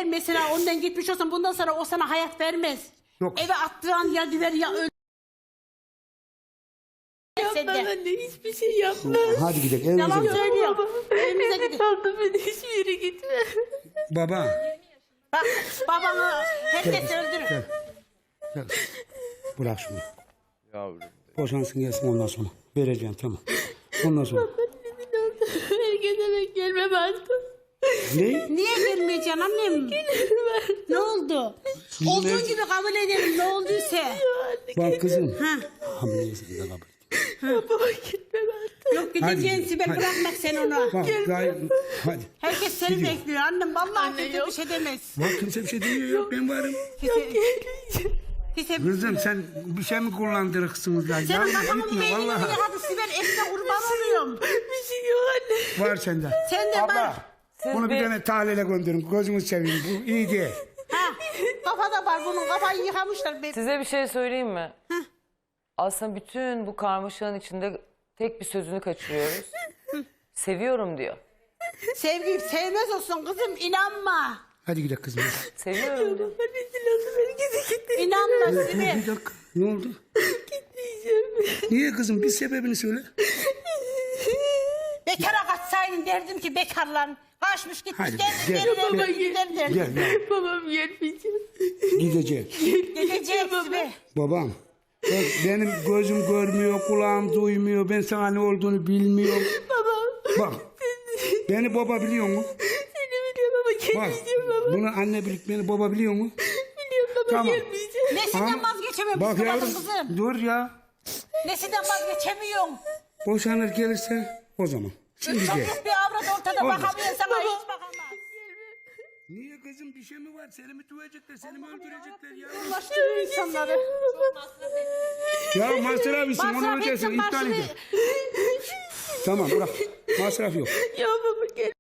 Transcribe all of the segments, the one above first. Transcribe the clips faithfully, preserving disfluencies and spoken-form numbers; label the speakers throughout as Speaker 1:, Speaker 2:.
Speaker 1: mesela ondan gitmiş olsan bundan sonra o sana hayat vermez.
Speaker 2: Yok.
Speaker 1: Eve attıran ya düver ya öl.
Speaker 3: Yapmaz anne, hiçbir şey yapmaz.
Speaker 2: Hadi gidelim evimize
Speaker 1: Yalan
Speaker 2: gidelim.
Speaker 1: söylüyor. Evimize gidelim.
Speaker 3: Aldı beni, hiçbir yere gitme.
Speaker 2: Baba.
Speaker 1: Bak babanı herkes öldürür.
Speaker 2: Gel. Gel. Bırak şunu.
Speaker 4: Yavrum.
Speaker 2: Boşansın gelsin ondan sonra. Vereceğim tamam. Ondan sonra.
Speaker 3: Herkese ben gelmem artık.
Speaker 2: Ne?
Speaker 1: Niye gelmeyeceksin annem? Ne oldu? Olduğun gibi kabul edelim ne olduysa.
Speaker 2: Bak kızım.
Speaker 1: Ha.
Speaker 2: Hamileysen de kabul et.
Speaker 3: Baba gitmem artık.
Speaker 1: Yok gideceksin
Speaker 2: Hadi,
Speaker 1: Sibel
Speaker 2: hadi.
Speaker 1: bırakmak sen onu.
Speaker 2: Bak gayet. Hadi.
Speaker 1: Herkes seni
Speaker 2: Gidiyor.
Speaker 1: bekliyor annem. Vallahi
Speaker 3: Anne,
Speaker 1: kimse
Speaker 3: yok.
Speaker 1: bir şey demez.
Speaker 2: Bak kimse bir şey demiyor yok ben varım.
Speaker 1: Kimse, kimse,
Speaker 2: Kızım sen bir şey mi kullandırırsınız lan?
Speaker 1: senin
Speaker 2: Ya
Speaker 1: kafamın
Speaker 2: gitme
Speaker 1: beynini
Speaker 2: vallahi.
Speaker 1: yıkadı Sibel. Ekte kurban oluyorum.
Speaker 3: Bir şey yok anne.
Speaker 2: Var sende.
Speaker 1: Sen de
Speaker 2: Abla.
Speaker 1: var.
Speaker 2: Bunu bir tane tahlile gönderin. Gözünü seveyim. Bu iyi değil.
Speaker 1: Ha, kafada var bunun kafayı yıkamışlar. Be.
Speaker 5: Size bir şey söyleyeyim mi? Aslında bütün bu karmaşanın içinde tek bir sözünü kaçırıyoruz. Seviyorum diyor.
Speaker 1: Sevgi sevmez olsun kızım inanma.
Speaker 2: Hadi gidelim kızım.
Speaker 5: Seviyorum diyor.
Speaker 3: Rezil olsun, herkese gitme.
Speaker 1: İnanma
Speaker 2: Dur
Speaker 1: Sibel.
Speaker 2: bir dakika. Ne oldu?
Speaker 3: Gitmeyeceğim.
Speaker 2: Niye kızım? Bir sebebini söyle.
Speaker 1: Bekara kaçsaydın derdim ki bekarlan. Kaçmış gitmiş
Speaker 2: Hadi,
Speaker 1: derdim.
Speaker 2: gel,
Speaker 1: Gel,
Speaker 2: gel.
Speaker 1: baba gel derdim.
Speaker 2: Gel gel.
Speaker 3: Babam gelmeyecek.
Speaker 2: Gidecek.
Speaker 1: Gidecek Sibel.
Speaker 2: Babam. Bak benim gözüm görmüyor, kulağım duymuyor. Ben sana ne olduğunu bilmiyorum.
Speaker 3: Baba.
Speaker 2: Bak. Beni baba biliyor mu?
Speaker 3: Seni biliyorum ama
Speaker 2: Bak.
Speaker 3: gelmeyeceğim baba.
Speaker 2: Bunu anne bilip beni baba biliyor mu?
Speaker 3: Biliyorum baba,
Speaker 2: Tamam.
Speaker 3: gelmeyeceğim.
Speaker 1: Nesinden
Speaker 2: Ama-
Speaker 1: vazgeçemiyorum
Speaker 2: Bak
Speaker 1: kızım
Speaker 2: yavrum
Speaker 1: kızım.
Speaker 2: dur ya.
Speaker 1: Nesinden vazgeçemiyorum.
Speaker 2: Boşanır gelirse o zaman. Şimdi gel.
Speaker 1: Çocuk bir avrat ortada
Speaker 2: Olmaz.
Speaker 1: bakamıyor sana hiç bakamaz.
Speaker 2: Niye kızım bir şey mi var? Seni mi dövecekler, seni mi öldürecekler ya?
Speaker 1: Ulaştırıyor insanları.
Speaker 2: Ya masraf için onu
Speaker 1: Masraf
Speaker 2: ödeyeceksin,
Speaker 1: etsin,
Speaker 2: iptal
Speaker 1: masraf-
Speaker 2: edin. Tamam bırak. Masraf yok.
Speaker 3: Ya baba gel.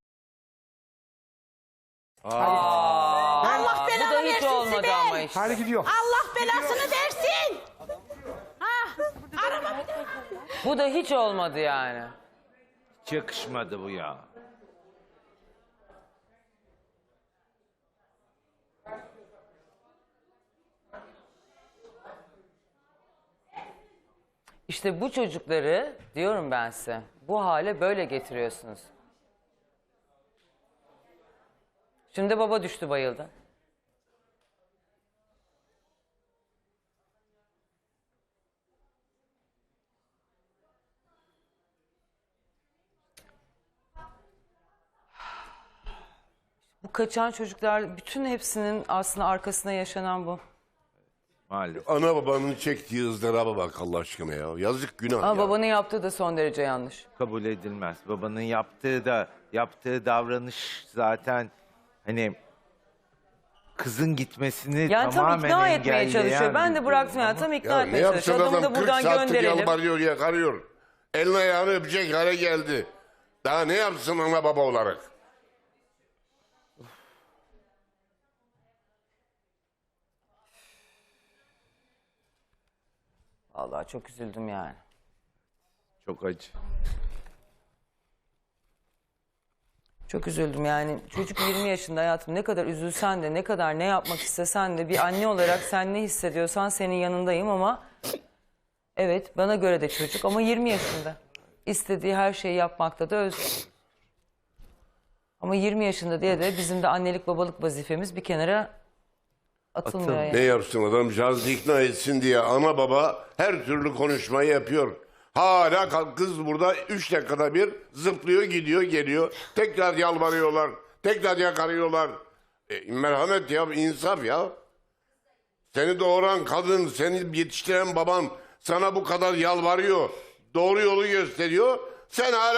Speaker 1: Allah
Speaker 5: Bu
Speaker 1: belanı
Speaker 5: da hiç
Speaker 1: versin
Speaker 5: olmadı
Speaker 1: Sibel.
Speaker 5: ama işte.
Speaker 2: Hadi gidiyor.
Speaker 1: Allah belasını versin. Ha, araba.
Speaker 5: Bu da hiç olmadı yani.
Speaker 4: Hiç yakışmadı bu ya.
Speaker 5: İşte bu çocukları diyorum ben size. Bu hale böyle getiriyorsunuz. Şimdi baba düştü bayıldı. Bu kaçan çocuklar bütün hepsinin aslında arkasında yaşanan bu.
Speaker 4: Maalesef.
Speaker 6: Ana babanın çektiği ızdıraba bak Allah aşkına ya. Yazık günah
Speaker 5: Ama
Speaker 6: ya.
Speaker 5: babanın yaptığı da son derece yanlış.
Speaker 4: Kabul edilmez. Babanın yaptığı da yaptığı davranış zaten hani kızın gitmesini
Speaker 5: Yani tam
Speaker 4: tamamen
Speaker 5: ikna etmeye
Speaker 4: engelleyen
Speaker 5: çalışıyor. Ben
Speaker 4: bir
Speaker 5: de
Speaker 4: durum
Speaker 5: bıraktım ya
Speaker 4: ama
Speaker 5: tam ikna
Speaker 6: Ya ne
Speaker 5: etmeye çalışıyor.
Speaker 6: yapsın
Speaker 5: Adamı
Speaker 6: adam
Speaker 5: da
Speaker 6: kırk
Speaker 5: buradan
Speaker 6: saattir
Speaker 5: gönderelim.
Speaker 6: yalvarıyor yakarıyor. Elini ayağını öpecek hale geldi. Daha ne yapsın ana baba olarak?
Speaker 5: Vallahi çok üzüldüm yani.
Speaker 4: çok acı.
Speaker 5: Çok üzüldüm yani. Çocuk yirmi yaşında hayatım, ne kadar üzülsen de ne kadar ne yapmak istesen de bir anne olarak sen ne hissediyorsan senin yanındayım ama evet bana göre de çocuk ama yirmi yaşında. İstediği her şeyi yapmakta da özgür. Ama yirmi yaşında diye de bizim de annelik babalık vazifemiz bir kenara atılmıyor
Speaker 4: Atıl-
Speaker 5: yani.
Speaker 6: Ne yapsın adamcağız ikna etsin diye ana baba her türlü konuşmayı yapıyor. Hala kalk- kız burada üç dakikada bir zıplıyor gidiyor geliyor. Tekrar yalvarıyorlar. Tekrar yakarıyorlar. E, merhamet ya insaf ya. Seni doğuran kadın, seni yetiştiren baban sana bu kadar yalvarıyor. Doğru yolu gösteriyor. Sen hala